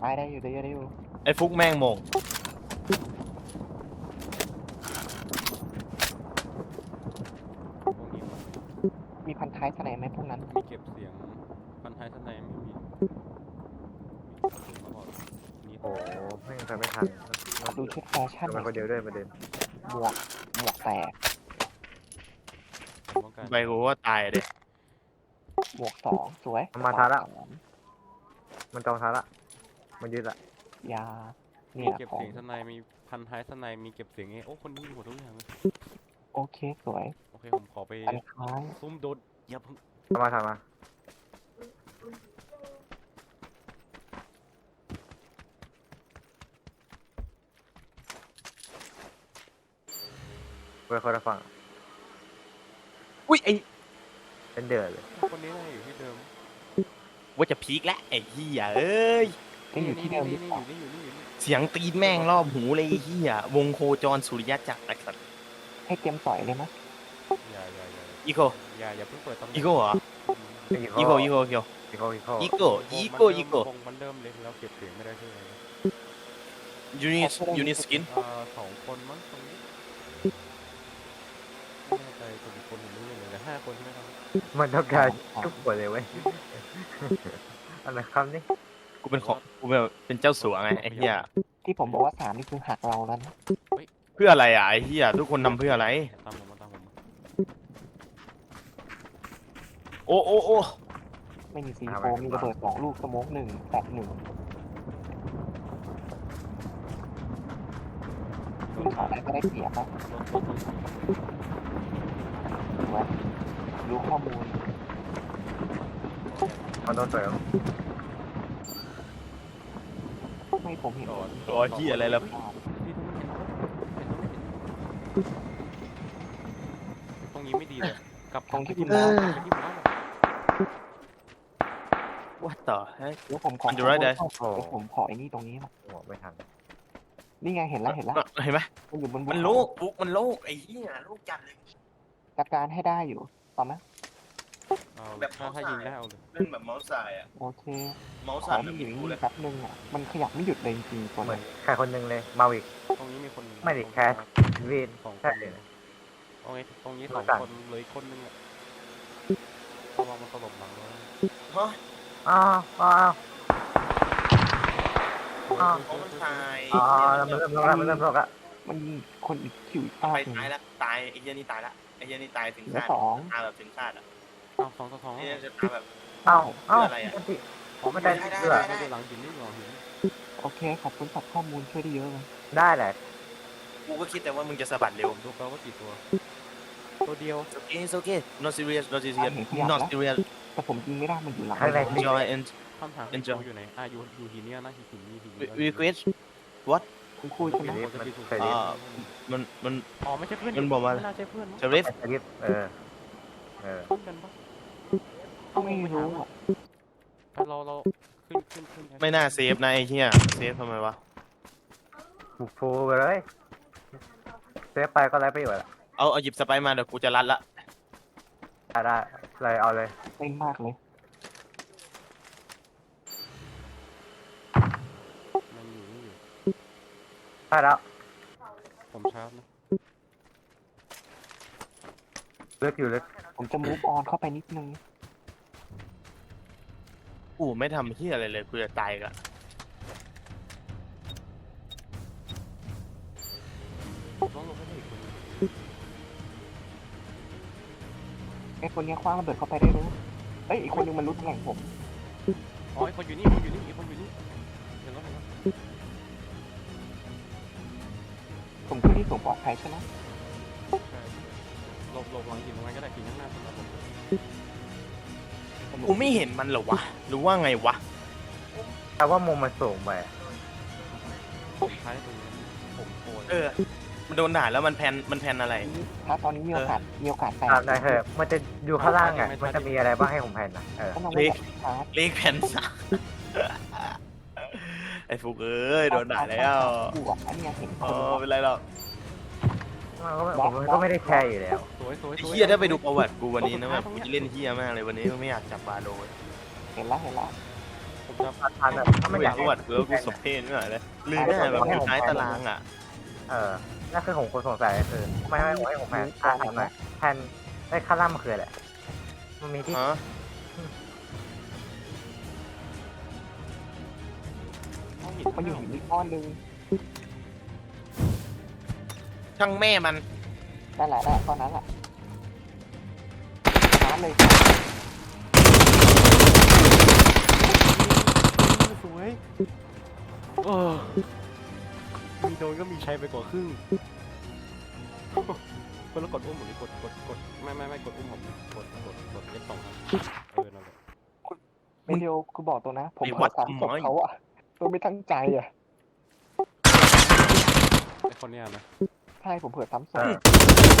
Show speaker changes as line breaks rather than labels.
ตายได้อยู่ได้อยู่
ไอ้ฟุกแม่งโมง
พวกนี้มัน
มีพันท้ายสไนไหมพวกนั้น
มีเก็บเสียงพันท้ายท่านในไม่มีเสียงมาบอกนี่
โอ้ไม่ทำไม่ทัน
ดูชุดแฟชั่น
ทำไมคนเดียวด้วยประเด็น
หมวกแตก
ป้องกัน
ไปกูว่าตายเด็
หมวกสองสวย
มาทาละ
สอง
มันจองทาละมันยืดละ
ยาเนี่
มี
ย
เก็บ
ของ
เสียงท่านในมีพันท้ายท่านในมีเก็บเสียงโอ้คนนี้มีหมดทุกอย่างเลย
โอเคสวย
โอเคผมขอไป
พันท้าย
ซุ่มโดดอย่าเพิ่ง
ทำมาเพื่อคนละฝั่ง
อุ้ยไอ้
เป็นเดือดเลย
คนนี้น่าอยู่ที่เดิม
ว่าจะพีคแล้วไอ้เหี้ยเอ้ย
ยังอยู่ที่เดิมหรือ
นี่
เปล่า
อยู่นี่
เสียงตีนแม่งรอบหูเลยไอ้เหี้ยวงโคจรสุริยะจักรไอ้สัตว์
ให้เตรียมต่อยเลยมั้ย
อย่า
อีโก
อย่าเพิ่งเปิดตำแหน่ง
อีโกเหรออีโกอีโกอีโกอีโกอีโก
มันเริ่มเลยแล้วเก็บเสียงไม่ได้ใช่ไหม
ยูนิสกิน
สองคนมั้งตรงนี้ไม่แน่ใจคนอีกคนผมไม่รู้เลยแต่5 คนใช่ไหมครับ
มันต้องการทุกคนเลยเว้ยอะไรคำนี้
กูเป็นเจ้าสัวไงไอ้เหี้ย
ที่ผมบอกว่า3นี่คือหักเราแล้วนะ
เพื่ออะไรอ่ะไอ้เหี้ยทุกคนทำเพื่ออะไร
ตามผมมา
โอ้โอ้โอ้
ไม่มีซีโฟมีระเบิด2 ลูกสโมก1แตก1ขึ้นเขาได้ก็ได้เสียบอะสวยรู้ข้อมูล
มันต้องเสริม
ไม่ผมเห็น
ตัวเหี้ยอะไรล่ะ
ตรงนี้ไม่ดีเลยกลับ
ตรงที่คุณ
ไป
มา
ที่บ้าน
ว่าต่อเฮ้ย
เดี๋ยวผมขอ
มันอยู่ไรเด้
เดี๋ยวผมขอไอ้นี่ตรงนี้มา
หัวไม่ทัน
นี่ไงเห็นแล้ว
เห็นไหม
มันอยู่บน
มันโลกฟุกมันโลกไอ้เหี้ยโลกจัดเลย
จัดการให้ได้อยู่ต่อไหม
เอาถ้ายิงได้เอาเลย
เล่นแบบเมาส์สายอ่ะ
โอเค
เมาส์
ข
สา
อย มันอยู่นี่แป๊บนึงอ่ะมันขยับไม่หยุดเลยจริงๆตัว
เหมื
มั
อน นใครคนหนึงเลยเมาอีก
ตรงนี้มีคน
ไม่ดิแคสวีน
2 ค
ใช่
น
เลย
โอเคตรงนี้
ดู
2
กัน
คนเหลยคนนึงอ่ะระวังมันตลบหลังแล้ว
ฮะ
อ้าวอ้าว
เขามันตาย
อ๋อมันเริ่มลงแล้วมันเริ่มลงแล้ว
มันยิงคนอีกคิวอีก
ไป
หนึ่ง
ตายละตายไอ้เหี้ยนี่ตายละไอ้เหี้ยนี่ตายถึง
เหลือ
ชาติ
สอง
ตายแบบถึงชาติอ่ะ
อ้าว2 ต่อ 2
ไอ้เหี้ยจะตายแบบ
อ้าวอ้าว
อะไรอะ
ไม่ได้เชื่อ
ไม่ได้หลังหินนี่หรอหิน
โอเคขอบคุณสำหรับข้อมูลช่วยได้เยอะเลย
ได้แหละ
กูก็คิดแต่ว่ามึงจะสะบัดเร็ว
ผมดูไปว่ากี่ตัวตัวเดียว
It's okay not serious not serious not serious
แต่ผมยิงไม่ได้มันอยู่หลัง
ข้างใน
enjoy and
คำถามคือตัวอยู่ไหนอยู่หินเนี่ยนะหินนี่หิน
request
คุณคุยใช่ไหม
จะไปถูก
มัน
อ๋อไม่ใช่เพื่อน
มันบอกว่า
ไม่น่าใช่เพื่อนมั้ง
จะ riff
สกิปเออ
เพื่อนกันปะ
ไม่รู้อ่ะ
เราขึ้น
ไม่น่าเซฟนะไอ้เหี้ยเซฟทำไมวะ
บุกฟูไปเลยเซฟไปก็ไร้ประโยชน์ละ
เอาหยิบสไปร์มาเดี๋ยวกูจะรัดละ
ได้เลยเอาเลย
เต้นมากเลย
มันอยู่นี่อยู่
ได้แล้ว
ผมชาร์จนะ
ลึกอยู่ลึก
ผมจะมูฟออนเข้าไปนิดนึง
กูไม่ทำเหี้ยอะไรเลยกูจะตายกะ
ต้องลงไปอีกคน
ไอ้คนนี้คว้างระเบิดเข้าไปได้รู้เอ้ยอีกคนนึงมันรู้ตำแหน่งผม
อ๋อไอคนอยู่นี่อีกคนอยู่นี่เห็นแล้ว
ผมขึ้นที่สูงปลอดภัยใช่ไหม
ใช่หลบหลังหินตรงนั้นก็ได้หินข้างหน้าผม
กูไม่เห็นมันเหรอวะหรือว่าไงวะ
แต่ว่ามุมมันสูงไป
ท้ายตรงนี้ผมโอน
มันโดนด่าแล้วมันแพนอะไร
ถ้าตอนนี้มีโอกาสแตก
ตามได้เถอะมันจะอยู่ข้างล่างอ่ะมันจะมีอะไรบ้างให้ผมแพนนะ
ก็ต้องไม่ชาร์จ
เลขแผ่นสามไอ้ฟุกเอ้ยโดนด่าแล้ว
บวกอันนี้เห็นค
อ๋อน เป็นไรหรอก
ผมก็ไม่ได้แชร์อยู่แล้ว
สวย
ไอ้เฮียได้ไปดูประวัติกูวันนี้นะแบบกูจะเล่นเฮียมากเลยวันนี้ไม่อยากจับบาโล
เห็นแล้ว
ผมผมจะ
ทันอ่ะถ้า
ไม่
ไม่อยาก ก
อายรู้ว่ากูสมเพศไม่ไหวเลยลืมแน่แบบอยู่ท้ายตารางอ่ะ
นั่นคือผมคนสงสัยคือไม่ให้ผมแพนถามหน่อยแพนได้ค่าล่ำมันคืออะไรมันมีที่
ฮะ
มันอยู่หินอีกก้อนนึง
ช่างแม่มัน
นั่นแหละก้อนนั้นแหละชาร์จเลย
สวยโอ้มีโดนก็มีใช้ไปกว่าครึ่งคนละกดอุ้มผมนี่กดไม่กดอุ้มผมกดเอฟสองครับนั่นแหละ
ไม่เดียวคือบอกตัวนะ ผมเผลอสามศพเขาอะโดยไม่ตั้งใจอะ
ไอคนเนี้ยนะ
ใช่ผมเผลอซ้ำศพ